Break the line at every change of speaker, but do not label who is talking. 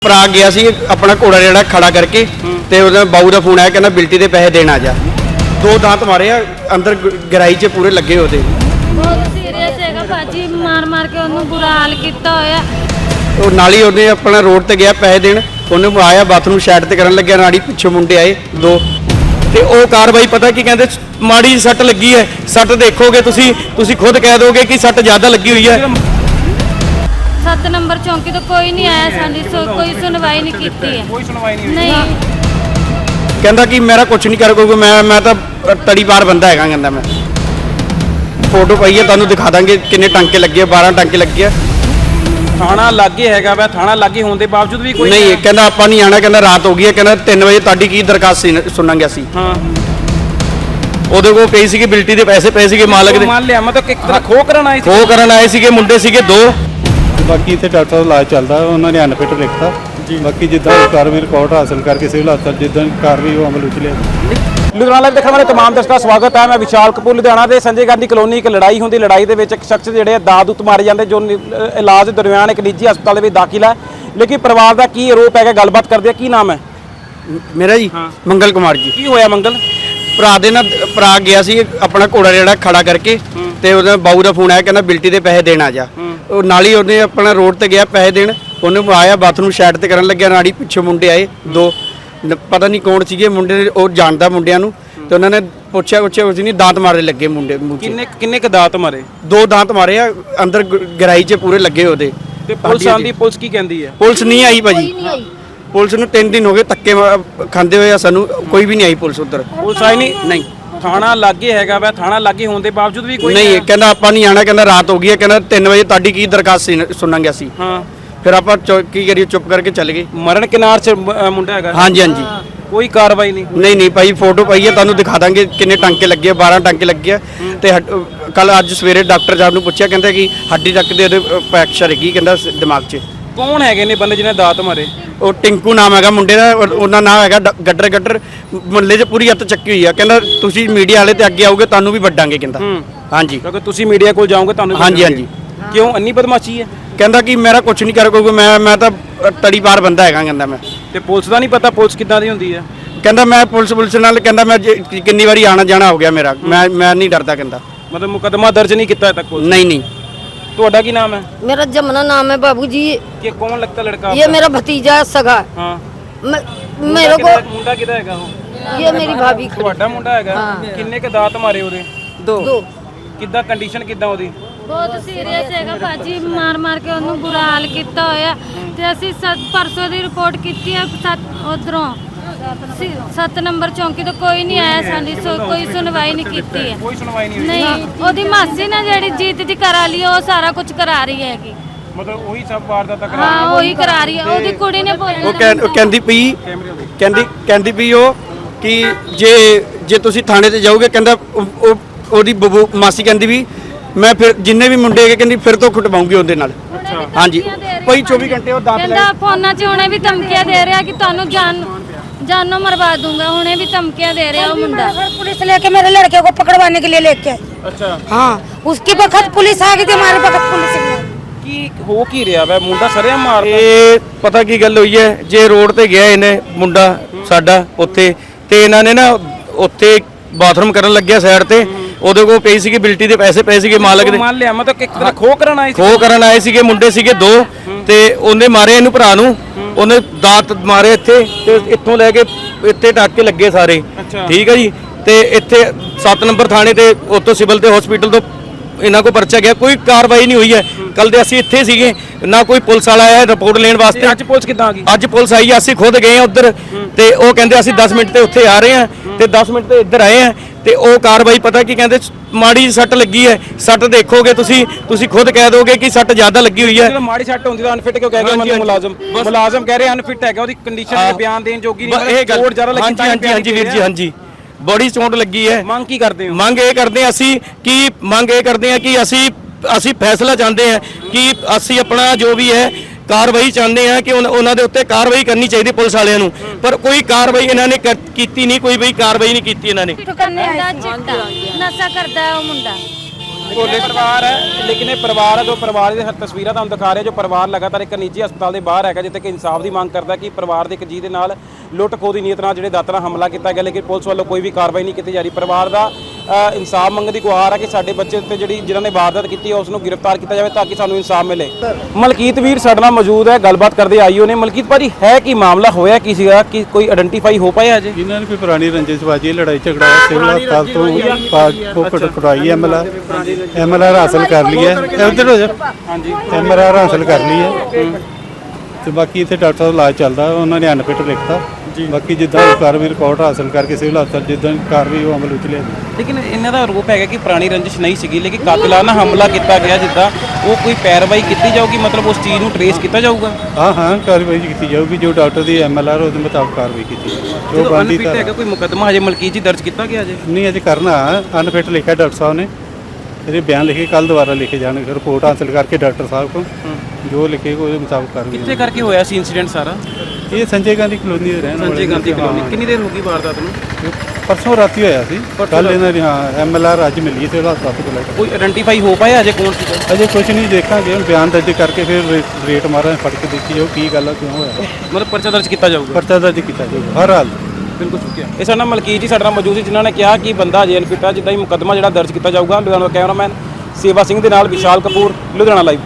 ਭਰਾ ਗਿਆ ਸੀ ਆਪਣਾ ਘੋੜਾ ਜਿਹੜਾ ਖੜਾ ਕਰਕੇ ਤੇ ਉਹਦਾ ਬਾਊ ਦਾ ਫੋਨ ਆਇਆ ਕਹਿੰਦਾ ਬਿਲਟੀ ਦੇ ਪੈਸੇ ਦੇਣ ਆ ਜਾ। ਦੋ ਦਾਂਤ ਮਾਰੇ ਆ ਅੰਦਰ ਗਰਾਈ 'ਚ ਪੂਰੇ ਲੱਗੇ ਉਹਦੇ।
ਬਹੁਤ ਸੀਰੀਅਸ ਹੈਗਾ ਭਾਜੀ, ਮਾਰ ਮਾਰ ਕੇ ਉਹਨੂੰ ਬੁਰਾ ਹਾਲ ਕੀਤਾ ਹੋਇਆ।
ਉਹ ਨਾਲ ਹੀ ਉਹਨੇ ਆਪਣਾ ਰੋਡ ਤੇ ਗਿਆ ਪੈਸੇ ਦੇਣ, ਉਹਨੂੰ ਆਇਆ ਬਾਥਰੂਮ ਸਾਈਡ ਤੇ ਕਰਨ ਲੱਗਿਆ, ਨਾੜੀ ਪਿੱਛੋਂ ਮੁੰਡੇ ਆਏ ਦੋ ਤੇ ਉਹ ਕਾਰਵਾਈ ਪਤਾ ਕੀ ਕਹਿੰਦੇ ਮਾੜੀ ਸੱਟ ਲੱਗੀ ਹੈ। ਸੱਟ ਦੇਖੋਗੇ ਤੁਸੀਂ ਖੁਦ ਕਹਿ ਦੋਗੇ ਕਿ ਸੱਟ ਜ਼ਿਆਦਾ ਲੱਗੀ ਹੋਈ ਹੈ।
7 ਨੰਬਰ ਚੌਂਕੀ ਤੋਂ ਕੋਈ ਨਹੀਂ ਆਇਆ, ਸਾਡੀ ਕੋਈ ਸੁਣਵਾਈ ਨਹੀਂ ਕੀਤੀ ਹੈ।
ਕੋਈ ਸੁਣਵਾਈ ਨਹੀਂ
ਨਹੀਂ
ਕਹਿੰਦਾ ਕਿ ਮੇਰਾ ਕੁਝ ਨਹੀਂ ਕਰ ਕੋਈ, ਮੈਂ ਤਾਂ ਤੜੀ ਪਾਰ ਬੰਦਾ ਹੈਗਾ। ਕਹਿੰਦਾ ਮੈਂ ਫੋਟੋ ਪਾਈ ਹੈ ਤੁਹਾਨੂੰ ਦਿਖਾ ਦਾਂਗੇ ਕਿੰਨੇ ਟਾਂਕੇ ਲੱਗੇ, 12 ਟਾਂਕੇ ਲੱਗੇ ਆ।
ਥਾਣਾ ਲਾਗੇ ਹੈਗਾ ਵਾ, ਥਾਣਾ ਲਾਗੇ ਹੋਣ ਦੇ ਬਾਵਜੂਦ ਵੀ ਕੋਈ
ਨਹੀਂ ਕਹਿੰਦਾ ਆਪਾਂ ਨਹੀਂ ਆਣਾ, ਕਹਿੰਦਾ ਰਾਤ ਹੋ ਗਈ ਹੈ, ਕਹਿੰਦਾ 3 ਵਜੇ ਤੁਹਾਡੀ ਕੀ ਦਰਖਾਸਤ ਸੀ ਸੁਣਾਂਗੇ ਅਸੀਂ।
ਹਾਂ
ਉਹਦੇ ਕੋਲ ਪਈ ਸੀਗੀ ਬਿਲਟੀ ਦੇ ਪੈਸੇ ਪਏ ਸੀਗੇ ਮਾਲਕ ਦੇ।
ਮੰਨ ਲਿਆ ਮਤਲਬ ਇੱਕ ਤਰ੍ਹਾਂ ਖੋ ਕਰਨ ਆਏ ਸੀ।
ਖੋ ਕਰਨ ਆਏ ਸੀਗੇ, ਮੁੰਡੇ ਸੀਗੇ ਦੋ।
ਬਾਕੀ ਇੱਥੇ ਡਾਕਟਰ ਦਾ ਇਲਾਜ ਚੱਲਦਾ, ਉਹਨਾਂ ਨੇ ਅਨਫਿਟ ਲਿਖਤਾ। ਬਾਕੀ ਜਿੱਦਾਂ ਕਾਰਵਾਈ ਰਿਕਾਰਡ ਹਾਸਲ ਕਰਕੇ ਸਿਵਲ ਹਸਪਤਾਲ ਜਿੱਦਾਂ ਕਾਰਵਾਈ ਉਹ ਅਮਲ ਵਿੱਚ ਲਿਆ।
ਲੁਧਿਆਣਾ ਲਾਈਵ ਦੇਖਣ ਵਾਲੇ ਤਮਾਮ ਦਰਸ਼ਕਾਂ ਦਾ ਸਵਾਗਤ ਹੈ। ਮੈਂ ਵਿਸ਼ਾਲ ਕਪੂਰ ਲੁਧਿਆਣਾ ਦੇ ਸੰਜੇ ਗਾਂਧੀ ਕਲੋਨੀ ਇੱਕ ਲੜਾਈ ਹੁੰਦੀ, ਲੜਾਈ ਦੇ ਵਿੱਚ ਇੱਕ ਸ਼ਖਸ ਜਿਹੜੇ ਦਾਦੂਤ ਮਾਰੇ ਜਾਂਦੇ ਜੋ ਇਲਾਜ ਦੇ ਦਰਮਿਆਨ ਇੱਕ ਨਿੱਜੀ ਹਸਪਤਾਲ ਦੇ ਵਿੱਚ ਦਾਖਲ ਹੈ। ਲੇਕਿਨ ਪਰਿਵਾਰ ਦਾ ਕੀ ਆਰੋਪ ਹੈਗਾ, ਗੱਲਬਾਤ ਕਰਦੇ ਆ। ਕੀ ਨਾਮ ਹੈ
ਮੇਰਾ ਜੀ ਮੰਗਲ ਕੁਮਾਰ ਜੀ।
ਕੀ ਹੋਇਆ ਮੰਗਲ?
ਭਰਾ ਦੇ ਨਾਲ ਭਰਾ ਗਿਆ ਸੀ ਆਪਣਾ ਘੋੜਾ ਜਿਹੜਾ ਖੜਾ ਕਰਕੇ ਤੇ ਉਹਦਾ ਬਾਊ ਦਾ ਫੋਨ ਆਇਆ ਕਹਿੰਦਾ ਬਿਲਟੀ ਦੇ ਪੈਸੇ ਦੇਣ ਆ ਜਾ। ਉਹ ਨਾਲ ਹੀ ਉਹਨੇ ਆਪਣਾ ਰੋਡ ਤੇ ਗਿਆ ਪੈਸੇ ਦੇਣ, ਉਹਨੂੰ ਆਇਆ ਬਾਥਰੂਮ ਸਾਈਡ ਤੇ ਕਰਨ ਲੱਗਿਆ, ਨਾੜੀ ਪਿੱਛੋਂ ਮੁੰਡੇ ਆਏ ਦੋ, ਪਤਾ ਨਹੀਂ ਕੌਣ ਸੀਗੇ ਮੁੰਡੇ, ਉਹ ਜਾਣਦਾ ਮੁੰਡਿਆਂ ਨੂੰ। ਤੇ ਉਹਨਾਂ ਨੇ ਪੁੱਛਿਆ ਉਸ ਨਹੀਂ ਦਾਂਤ ਮਾਰੇ ਲੱਗੇ ਮੁੰਡੇ ਮੂੰਹ 'ਚ।
ਕਿੰਨੇ ਕ ਦਾਤ ਮਾਰੇ?
ਦੋ ਦਾਂਤ ਮਾਰੇ ਆ ਅੰਦਰ ਗਰਾਈ 'ਚ ਪੂਰੇ ਲੱਗੇ ਉਹਦੇ।
ਤੇ ਪੁਲਿਸ ਆਂਦੀ, ਪੁਲਿਸ ਕੀ ਕਹਿੰਦੀ ਹੈ?
ਪੁਲਿਸ ਨਹੀਂ ਆਈ ਭਾਜੀ, ਪੁਲਿਸ ਨੂੰ 3 ਦਿਨ ਹੋ ਗਏ ਧੱਕੇ ਖਾਂਦੇ ਹੋਏ ਆ, ਸਾਨੂੰ ਕੋਈ ਵੀ ਨਹੀਂ ਆਈ ਪੁਲਿਸ ਉੱਧਰ।
ਪੁਲਿਸ ਆਈ ਨਹੀਂ? ਥਾਣਾ ਲਾਗੇ ਹੈਗਾ ਵਾ, ਥਾਣਾ ਲਾਗੇ ਹੋਣ ਦੇ ਬਾਵਜੂਦ ਵੀ ਕੋਈ
ਨਹੀਂ ਕਹਿੰਦਾ ਆਪਾਂ ਨਹੀਂ ਆਣਾ, ਕਹਿੰਦਾ ਰਾਤ ਹੋ ਗਈ ਹੈ, ਕਹਿੰਦਾ 3 ਵਜੇ ਤੁਹਾਡੀ ਕੀ ਦਰਖਾਸਤ ਸੀ ਸੁਣਾਂਗੇ ਅਸੀਂ।
ਹਾਂ
ਫਿਰ ਆਪਾਂ ਕੀ ਕਰੀਏ, ਚੁੱਪ ਕਰਕੇ ਚੱਲ ਗਏ।
ਮਰਨ ਕਿਨਾਰ 'ਚ ਮੁੰਡਾ ਹੈਗਾ?
ਹਾਂਜੀ ਹਾਂਜੀ।
ਕੋਈ ਕਾਰਵਾਈ ਨਹੀਂ?
ਨਹੀਂ ਭਾਈ ਫੋਟੋ ਪਾਈ ਹੈ ਤੁਹਾਨੂੰ ਦਿਖਾ ਦਾਂਗੇ ਕਿੰਨੇ ਟਾਂਕੇ ਲੱਗੇ ਆ, 12 ਟਾਂਕੇ ਲੱਗੇ ਆ। ਤੇ ਕੱਲ ਅੱਜ ਸਵੇਰੇ ਡਾਕਟਰ ਸਾਹਿਬ ਨੂੰ ਪੁੱਛਿਆ, ਕਹਿੰਦਾ ਕਿ ਹੱਡੀ ਤੱਕ ਦੇ ਉਹਦੇ ਫ੍ਰੈਕਚਰ ਹੈਗੀ, ਕਹਿੰਦਾ ਦਿਮਾਗ 'ਚ।
ਕੌਣ ਹੈਗੇ ਨੇ ਬੰਦੇ ਜਿਹਨੇ ਦਾਤ ਮਾਰੇ?
ਉਹ ਟਿੰਕੂ ਨਾਮ ਹੈਗਾ ਮੁੰਡੇ ਦਾ, ਉਹਨਾਂ ਨਾਮ ਹੈਗਾ ਗੱਡਰ ਮੁੱਲੇ 'ਚ ਪੂਰੀ ਹੱਥ ਚੱਕੀ ਹੋਈ ਆ। ਕਹਿੰਦਾ ਤੁਸੀਂ ਮੀਡੀਆ ਵਾਲੇ ਤੇ ਅੱਗੇ ਆਓਗੇ ਤੁਹਾਨੂੰ ਵੀ ਵੱਡਾਂਗੇ ਕਹਿੰਦਾ। ਹਾਂਜੀ
ਕਿਉਂਕਿ ਤੁਸੀਂ ਮੀਡੀਆ ਕੋਲ ਜਾਓਗੇ ਤੁਹਾਨੂੰ ਵੀ
ਹਾਂਜੀ ਹਾਂਜੀ।
ਕਿਉਂ ਇੰਨੀ ਬਦਮਾਸ਼ੀ ਹੈ?
ਕਹਿੰਦਾ ਕਿ ਮੇਰਾ ਕੁਝ ਨਹੀਂ ਕਰ ਕੋਈ, ਮੈਂ ਤਾਂ ਤੜੀ ਪਾਰ ਬੰਦਾ ਹੈਗਾ। ਕਹਿੰਦਾ ਮੈਂ
ਤੇ ਪੁਲਿਸ ਦਾ ਨਹੀਂ ਪਤਾ ਪੁਲਿਸ ਕਿੱਦਾਂ ਦੀ ਹੁੰਦੀ ਹੈ?
ਕਹਿੰਦਾ ਮੈਂ ਪੁਲਿਸ ਨਾਲ, ਕਹਿੰਦਾ ਮੈਂ ਕਿੰਨੀ ਵਾਰੀ ਆਣਾ ਜਾਣਾ ਹੋ ਗਿਆ ਮੇਰਾ, ਮੈਂ ਨਹੀਂ ਡਰਦਾ। ਕਹਿੰਦਾ
मतलब मुकदमा दर्ज नहीं किया तक पुलिस?
नहीं।
ਤੁਹਾਡਾ ਕੀ ਨਾਮ ਹੈ?
मेरा जमुना नाम है बाबूजी।
ये कौन लगता लड़का?
ये मेरा भतीजा है सगा।
हाँ
मेरे को
मुंडा किधर हैगा वो?
ये मेरी भाभी खड़ी।
ਤੁਹਾਡਾ ਮੁੰਡਾ ਹੈਗਾ? ਕਿੰਨੇ ਕ ਦਾਤ ਮਾਰੇ ਉਹਦੇ?
दो
ਕਿੱਦਾਂ ਕੰਡੀਸ਼ਨ ਕਿੱਦਾਂ ਉਹਦੀ?
ਬਹੁਤ ਸੀਰੀਅਸ ਹੈਗਾ ਭਾਜੀ, ਮਾਰ ਮਾਰ ਕੇ ਉਹਨੂੰ ਬੁਰਾ ਹਾਲ ਕੀਤਾ ਹੋਇਆ। ਤੇ ਅਸੀਂ ਪਰਸੋਂ ਦੀ ਰਿਪੋਰਟ ਕੀਤੀ ਹੈ ਉਧਰੋਂ 7 ਨੰਬਰ ਚੌਂਕੀ ਤੋਂ ਕੋਈ ਨਹੀਂ ਆਇਆ, ਸਾਡੀ ਕੋਈ ਸੁਣਵਾਈ ਨਹੀਂ ਕੀਤੀ ਹੈ।
ਕੋਈ ਸੁਣਵਾਈ ਨਹੀਂ ਹੋਈ?
ਨਹੀਂ, ਉਹਦੀ ਮਾਸੀ ਨੇ ਜਿਹੜੀ ਜੀਤ ਦੀ ਕਰਾ ਲਈ, ਉਹ ਸਾਰਾ ਕੁਝ ਕਰਾ ਰਹੀ ਹੈਗੀ।
ਮਤਲਬ ਉਹੀ ਸਭ ਵਾਰਦਾਤਾਂ ਕਰਾ
ਹਾਂ ਉਹੀ ਕਰਾ ਰਹੀ ਹੈ। ਉਹਦੀ ਕੁੜੀ ਨੇ
ਉਹ ਕਹਿੰਦੀ ਪਈ ਕਹਿੰਦੀ ਪਈ ਉਹ ਕਿ ਜੇ ਤੁਸੀਂ ਥਾਣੇ ਤੇ ਜਾਓਗੇ, ਕਹਿੰਦਾ ਉਹਦੀ ਬਬੂ ਮਾਸੀ ਕਹਿੰਦੀ ਵੀ ਮੈਂ ਫਿਰ ਜਿੰਨੇ ਵੀ ਮੁੰਡੇ ਹੈਗੇ ਕਹਿੰਦੀ ਫਿਰ ਤੋਂ ਕੁੱਟਵਾਉਂਗੀ ਉਹਦੇ ਨਾਲ। ਹਾਂਜੀ ਭਾਈ 24 ਘੰਟੇ ਉਹ ਦਾਤ ਲੈ
ਕਹਿੰਦਾ ਫੋਨਾਂ 'ਚ ਹੁਣੇ ਵੀ ਧਮਕੀਆਂ ਦੇ ਰਿਹਾ ਕਿ ਤੁਹਾਨੂੰ जानो मरवा दूंगा, हुने भी धमकियां दे रहे हो मुंडा।
पुलिस लेके मेरे लड़के को पकड़वाने के लिए लेके आई।
अच्छा
हाँ, उसकी वक्त पुलिस आ गई थी, हमारे वक्त पुलिस नहीं आई।
ਕੀ ਹੋ ਕੀ ਰਿਹਾ ਵਾ? ਮੁੰਡਾ ਸਰਿਆ ਮਾਰਦਾ?
ਇਹ ਪਤਾ ਕੀ ਗੱਲ ਹੋਈ ਹੈ, ਜੇ ਰੋਡ ਤੇ ਗਿਆ ਇਹਨੇ ਮੁੰਡਾ ਸਾਡਾ ਉੱਥੇ, ਤੇ ਇਹਨਾਂ ਨੇ ਨਾ ਉੱਥੇ ਬਾਥਰੂਮ ਕਰਨ ਲੱਗਿਆ ਸਾਈਡ ਤੇ, ਉਹਦੇ ਕੋਲ ਪਈ ਸੀਗੀ ਬਿਲਟੀ ਦੇ ਪੈਸੇ ਪਏ ਸੀਗੇ ਮਾਲਕ ਦੇ।
ਮੰਨ ਲਿਆ ਮਤਲਬ ਇੱਕ ਤਰ੍ਹਾਂ ਖੋ ਕਰਨ ਆਏ ਸੀ?
ਖੋ ਕਰਨ ਆਏ ਸੀਗੇ, ਮੁੰਡੇ ਸੀਗੇ ਦੋ, ਤੇ ਉਹਨੇ ਮਾਰੇ ਇਹਨੂੰ ਭਰਾ ਨੂੰ, ਉਹਨੇ ਦਾਤ ਮਾਰੇ ਇੱਥੇ, ਤੇ ਇੱਥੋਂ ਲੈ ਕੇ ਇੱਥੇ ਟਾਕੇ ਲੱਗੇ ਸਾਰੇ। ਠੀਕ ਹੈ ਜੀ। ਤੇ ਇੱਥੇ 7 ਨੰਬਰ ਥਾਣੇ ਤੇ ਉੱਥੋਂ ਸਿਵਲ ਤੇ ਹਸਪੀਟਲ ਤੋਂ ਇਹਨਾਂ ਕੋ ਪਰਚਾ ਗਿਆ, ਕੋਈ ਕਾਰਵਾਈ ਨਹੀਂ ਹੋਈ ਹੈ। ਕੱਲ ਦੇ ਅਸੀਂ ਇੱਥੇ ਸੀਗੇ, ਨਾ ਕੋਈ ਪੁਲਿਸ ਵਾਲਾ ਆਇਆ ਰਿਪੋਰਟ ਲੈਣ ਵਾਸਤੇ।
ਅੱਜ ਪੁਲਿਸ ਕਿੱਦਾਂ ਆ ਗਈ?
ਅੱਜ ਪੁਲਿਸ ਆਈ, ਅਸੀਂ ਖੁਦ ਗਏ ਆ ਉੱਧਰ, ਤੇ ਉਹ ਕਹਿੰਦੇ ਅਸੀਂ 10 ਮਿੰਟ ਤੇ ਉੱਥੇ ਆ ਰਹੇ ਆ, ਤੇ 10 ਮਿੰਟ ਤੇ ਇੱਧਰ ਆਏ ਆ, ਤੇ ਉਹ ਕਾਰਵਾਈ ਪਤਾ ਕੀ ਕਹਿੰਦੇ ਮਾੜੀ ਸੱਟ ਲੱਗੀ ਹੈ। ਸੱਟ ਦੇਖੋਗੇ ਤੁਸੀਂ ਖੁਦ ਕਹਿ ਦੋਗੇ ਕਿ ਸੱਟ ਜ਼ਿਆਦਾ ਲੱਗੀ ਹੋਈ ਹੈ।
ਜਦੋਂ ਮਾੜੀ ਸੱਟ ਹੁੰਦੀ ਤਾਂ ਅਨਫਿਟ ਕਿਉਂ ਕਹਿ ਗਏ ਮਤਲਬ ਮੁਲਾਜ਼ਮ ਕਹਿ ਰਹੇ ਅਨਫਿਟ ਹੈਗਾ, ਉਹਦੀ ਕੰਡੀਸ਼ਨ ਤੇ ਬਿਆਨ ਦੇਣ ਜੋਗੀ ਨਹੀਂ।
ਇਹ ਗੱਲ
ਜ਼ਿਆਦਾ ਲੱਗੀ।
ਹਾਂਜੀ ਵੀਰ ਜੀ, ਹਾਂਜੀ ਬੜੀ ਚੋਟ ਲੱਗੀ ਹੈ।
ਮੰਗ ਕੀ ਕਰਦੇ ਹੋ?
ਮੰਗ ਇਹ ਕਰਦੇ ਹਾਂ ਕਿ ਅਸੀਂ ਫੈਸਲਾ ਚਾਹੁੰਦੇ ਹਾਂ ਕਿ ਅਸੀਂ ਆਪਣਾ ਜੋ ਵੀ ਹੈ ਕਾਰਵਾਈ ਚਾਹੁੰਦੇ ਹਾਂ ਕਿ ਉਹਨਾਂ ਦੇ ਉੱਤੇ ਕਾਰਵਾਈ ਕਰਨੀ ਚਾਹੀਦੀ ਪੁਲਿਸ ਵਾਲਿਆਂ ਨੂੰ, ਪਰ ਕੋਈ ਕਾਰਵਾਈ ਇਹਨਾਂ ਨੇ ਕੀਤੀ ਨਹੀਂ, ਕੋਈ ਵੀ ਕਾਰਵਾਈ ਨਹੀਂ ਕੀਤੀ ਇਹਨਾਂ ਨੇ।
ਨਸ਼ਾ ਕਰਦਾ ਹੈ ਉਹ ਮੁੰਡਾ।
ਪਰਿਵਾਰ ਹੈ ਲੇਕਿਨ ਇਹ ਪਰਿਵਾਰ ਹੈ ਜੋ ਪਰਿਵਾਰ ਦੀ ਤਸਵੀਰਾਂ ਤੁਹਾਨੂੰ ਦਿਖਾ ਰਿਹਾ ਜੋ ਪਰਿਵਾਰ ਲਗਾਤਾਰ ਇੱਕ ਨਿੱਜੀ ਹਸਪਤਾਲ ਦੇ ਬਾਹਰ ਹੈਗਾ ਜਿੱਥੇ ਕਿ ਇਨਸਾਫ ਦੀ ਮੰਗ ਕਰਦਾ ਕਿ ਪਰਿਵਾਰ ਦੇ ਇੱਕ ਜੀਅ ਦੇ ਨਾਲ ਲੁੱਟ ਖੋਹ ਦੀ ਨੀਅਤ ਨਾਲ ਜਿਹੜੇ ਦਾਤਰ ਨਾਲ ਹਮਲਾ ਕੀਤਾ ਗਿਆ ਲੇਕਿਨ ਪੁਲਿਸ ਵੱਲੋਂ ਕੋਈ ਵੀ ਕਾਰਵਾਈ ਨਹੀਂ ਕੀਤੀ ਜਾ ਰਹੀ। ਪਰਿਵਾਰ ਦਾ ਇਨਸਾਫ ਮੰਗਣ ਦੀ ਗੁਹਾਰ ਹੈ ਕਿ ਸਾਡੇ ਬੱਚੇ ਉੱਤੇ ਜਿਨ੍ਹਾਂ ਨੇ ਵਾਰਦਾਤ ਕੀਤੀ ਹੈ ਉਸ ਨੂੰ ਗ੍ਰਿਫਤਾਰ ਕੀਤਾ ਜਾਵੇ ਤਾਂ ਕਿ ਸਾਨੂੰ ਇਨਸਾਫ ਮਿਲੇ। ਮਲਕੀਤ ਵੀਰ ਸਾਡੇ ਨਾਲ ਮੌਜੂਦ ਹੈ, ਗੱਲਬਾਤ ਕਰਦੇ ਆਈਓ ਨੇ। ਮਲਕੀਤ ਭਾਜੀ ਹੈ ਕੀ ਮਾਮਲਾ ਹੋਇਆ ਕੀ ਸੀਗਾ ਕਿ ਕੋਈ ਆਇਡੈਂਟੀਫਾਈ ਹੋ ਪਾਇਆ ਅਜੇ?
ਇਹਨਾਂ ਨੇ ਕੋਈ ਪੁਰਾਣੀ ਰੰਜਿਸ਼ਬਾਜੀ ਲੜਾਈ ਝਗੜਾ ਸਿਵਲ ਹਸਪਤਾਲ ਤੋਂ ਕਟਾਈ ਐਮਐਲਆਰ ਹਾਸਲ ਕਰ ਲਈ ਹੈ। ਇੱਧਰ ਹੋ ਜਾ। ਹਾਂਜੀ ਐਮਐਲਆਰ ਹਾਸਲ ਕਰ ਲਈ ਹੈ ਤੇ ਬਾਕੀ ਇੱਥੇ ਡਾਕਟਰ ਦਾ ਇਲਾਜ ਚੱਲਦਾ ਉਹਨਾਂ ਨੇ ਅਨਫਿਟ ਲਿਖਤਾ। ਬਾਕੀ ਜਿੱਦਾਂ ਕਾਰਵਾਈ ਰਿਕਾਰਡ ਹਾਸਲ ਕਰਕੇ ਸਿਵਲ ਹਸਪਤਾਲ ਜਿੱਦਾਂ ਕਾਰਵਾਈ ਉਹ ਅਮਲ ਵਿੱਚ ਲਿਆਂਦੀ।
ਲੇਕਿਨ ਇਹਨਾਂ ਦਾ ਆਰੋਪ ਹੈਗਾ ਕਿ ਪੁਰਾਣੀ ਰੰਜਿਸ਼ ਨਹੀਂ ਸੀਗੀ ਲੇਕਿਨ ਕਾਤਲਾਨਾ ਹਮਲਾ ਕੀਤਾ ਗਿਆ ਜਿੱਦਾਂ ਉਹ ਕੋਈ ਪੈਰਵਾਈ ਕੀਤੀ ਜਾਊਗੀ ਮਤਲਬ ਉਸ ਚੀਜ਼ ਨੂੰ ਟਰੇਸ ਕੀਤਾ ਜਾਊਗਾ।
ਹਾਂ ਕਾਰਵਾਈ ਕੀਤੀ ਜਾਊਗੀ ਜੋ ਡਾਕਟਰ ਦੀ ਐਮਐਲਆਰ ਉਹਦੇ ਮੁਤਾਬਕ ਕਾਰਵਾਈ ਕੀਤੀ ਜਾਊਗੀ। ਜੋ ਬੰਦੀ
ਅਨਫਿਟ ਹੈਗਾ ਕੋਈ ਮੁਕੱਦਮਾ ਹਜੇ ਮਲਕੀਤ ਜੀ ਦਰਜ ਕੀਤਾ ਗਿਆ ਅਜੇ
ਨਹੀਂ ਅਜੇ ਕਰਨਾ ਅਨਫਿਟ ਲਿਖਿਆ ਡਾਕਟਰ ਸਾਹਿਬ ਨੇ। ਇਹਦੇ ਬਿਆਨ ਲਿਖੇ ਕੱਲ ਦੁਬਾਰਾ ਲਿਖੇ ਜਾਣਗੇ ਰਿਪੋਰਟ ਹਾਸਲ ਕਰਕੇ ਡਾਕਟਰ ਸਾਹਿਬ ਕੋਲ ਜੋ ਲਿਖੇਗਾ ਉਹਦੇ ਮੁਤਾਬਕ ਕਾਰਵਾਈ।
ਕਿੱਥੇ ਕਰਕੇ ਹੋਇਆ ਸੀ ਇਨਸੀਡੈਂਟ ਸਾਰਾ?
ਇਹ ਸੰਜੇ ਗਾਂਧੀ ਕਲੋਨੀ ਦੇ ਰਹਿਣ ਵਾਲੇ।
ਸੰਜੇ ਗਾਂਧੀ ਕਲੋਨੀ। ਕਿੰਨੀ ਦੇਰ ਹੋ ਗਈ ਵਾਰਦਾਤ ਨੂੰ?
ਪਰਸੋਂ ਰਾਤੀ ਹੋਇਆ ਸੀ। ਕੱਲ ਇਹਨਾਂ ਦੀ ਐਮਐਲਆਰ ਅੱਜ ਮਿਲੀ ਸੀ ਉਹਦਾ ਹਸਪਤਾਲ ਤੋਂ ਲੈ ਕੇ।
ਕੋਈ ਆਇਡੈਂਟੀਫਾਈ ਹੋ ਪਾਇਆ ਅਜੇ ਕੌਣ ਸੀ?
ਅਜੇ ਕੁਝ ਨਹੀਂ ਦੇਖਾਂਗੇ ਹੁਣ ਬਿਆਨ ਦਰਜ ਕਰਕੇ ਫਿਰ ਰੇਟ ਮਾਰਾਂ ਫੜ ਕੇ ਦੇਖੀ ਜਾਓ ਕੀ ਗੱਲ ਆ ਕਿਉਂ ਹੋਇਆ।
ਮਤਲਬ ਪਰਚਾ ਦਰਜ ਕੀਤਾ ਜਾਊਗਾ?
ਪਰਚਾ ਦਰਜ ਕੀਤਾ ਜਾਊਗਾ ਹਰ ਹਾਲ।
ਬਿਲਕੁਲ ਸ਼ੁਕਰੀਆ। ਇਹ ਸਾਡਾ ਮਲਕੀਤ ਜੀ ਸਾਡੇ ਨਾਲ ਮੌਜੂਦ ਸੀ ਜਿਨ੍ਹਾਂ ਨੇ ਕਿਹਾ ਕਿ ਬੰਦਾ ਜੇਲ੍ਹ ਫਿੱਟਾ ਜਿੱਦਾਂ ਹੀ ਮੁਕੱਦਮਾ ਜਿਹੜਾ ਦਰਜ ਕੀਤਾ ਜਾਊਗਾ। ਲੁਧਿਆਣਾ ਕੈਮਰਾਮੈਨ ਸੇਵਾ ਸਿੰਘ ਦੇ ਨਾਲ ਵਿਸ਼ਾਲ ਕਪੂਰ, ਲੁਧਿਆਣਾ ਲਾਈਵ।